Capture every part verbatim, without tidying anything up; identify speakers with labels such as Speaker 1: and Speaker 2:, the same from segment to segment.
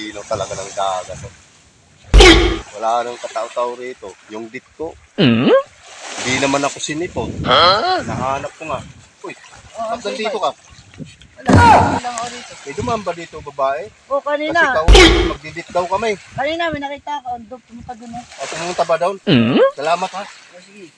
Speaker 1: linaw talaga ng dagat. Oh. Wala nang katao-tao rito. Yung dit ko,
Speaker 2: Hmm?
Speaker 1: hindi naman ako sinipon. Huh? Nahanap ko nga. Uy,
Speaker 3: Oh,
Speaker 1: ba't nandito ka?
Speaker 3: Wala, hindi lang ako dito.
Speaker 1: May dumaan ba dito babae?
Speaker 3: Oh,
Speaker 1: Kasi
Speaker 3: kanina.
Speaker 1: kausap, magdidit daw kami.
Speaker 3: Kanina, may nakita ako. Ando, pumunta dun eh.
Speaker 1: O, pumunta ba daw?
Speaker 2: Hmm?
Speaker 1: Salamat ha.
Speaker 3: Oh, sige.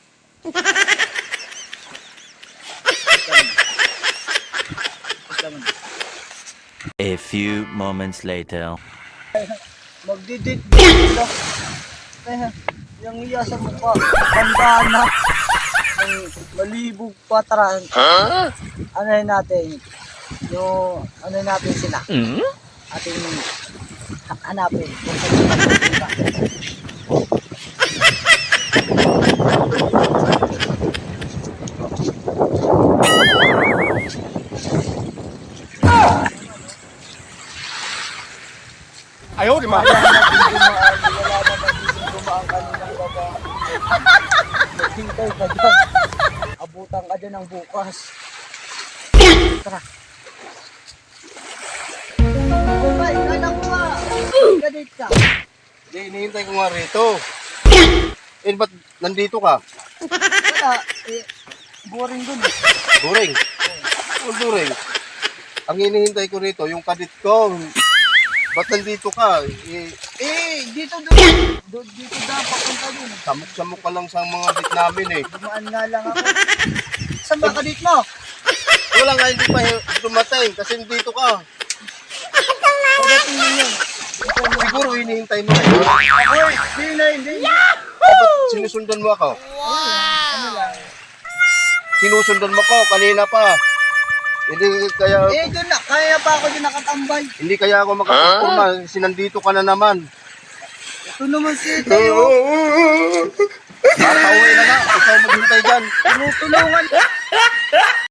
Speaker 4: A few moments later.
Speaker 3: Magdidit dito. Kaya, yung iya sa mukha. Tandaan na. Yung malibog patran.
Speaker 2: Huh?
Speaker 3: Ano yun natin? Yung, ano yun natin sila?
Speaker 2: Hmm?
Speaker 3: Ating ha- hanapin. Kung saan sila pupunta.
Speaker 1: Ayaw, di ma.
Speaker 3: Wala naman din dumaan. Wala naman din dumaan kaninang baba. Maghintay ka dyan. Abutan ka dyan ng bukas. Tara. Bye, kala ko ba? Gadit ka.
Speaker 1: Hindi, hinihintay ko nga rito. Eh, ba't nandito ka?
Speaker 3: Wala. Eh, boring dun eh.
Speaker 1: During. Oh, during. Ang hinihintay ko rito, yung kadit ko. Ba't nandito ka? Eh,
Speaker 3: Eh, dito dun. Doon dito dapat papunta dun.
Speaker 1: samok-samok ka lang sa mga dit namin eh.
Speaker 3: Dumaan nga lang ako. Saan ba kadit mo?
Speaker 1: Wala nga, hindi pa dumating kasi nandito ka.
Speaker 3: Pagdating yun yun.
Speaker 1: Siguro hinihintay mo.
Speaker 3: Ako eh, hindi na, hindi na.
Speaker 1: Ba't sinusundan mo ako?
Speaker 3: Ano lang.
Speaker 1: Sinusundan mo ko kanina pa. Hindi kaya
Speaker 3: Eh, doon na. Kaya pa ako dyan nakatambay.
Speaker 1: hindi kaya ako makapagpurma kasi nandito ka na naman.
Speaker 3: Ito naman si tayo.
Speaker 1: Nakauwi na nga. Ikaw maghintay dyan.
Speaker 3: Tinutulungan.